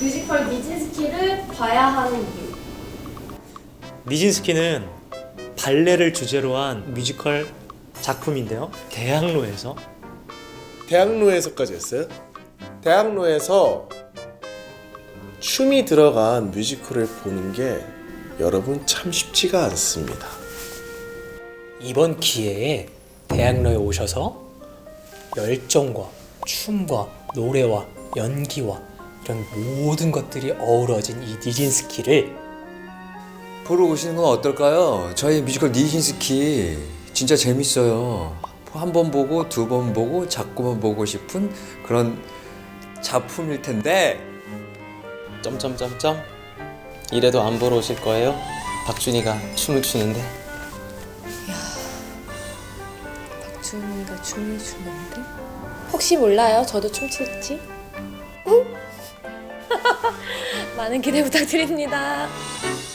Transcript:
뮤지컬 니진스키를 봐야 하는 이유. 니진스키는 발레를 주제로 한 뮤지컬 작품인데요. 대학로에서까지 했어요? 대학로에서 춤이 들어간 뮤지컬을 보는 게 여러분 참 쉽지가 않습니다. 이번 기회에 대학로에 오셔서 열정과 춤과 노래와 연기와 이런 모든 것들이 어우러진 이 니진스키를 보러 오시는 건 어떨까요? 저희 뮤지컬 니진스키 진짜 재밌어요. 한 번 보고 두 번 보고 자꾸만 보고 싶은 그런 작품일 텐데 점점점점 이래도 안 보러 오실 거예요? 박준이가 춤을 추는데. 박준이가 춤을 추는데? 혹시 몰라요? 저도 춤출지? 많은 기대 부탁드립니다.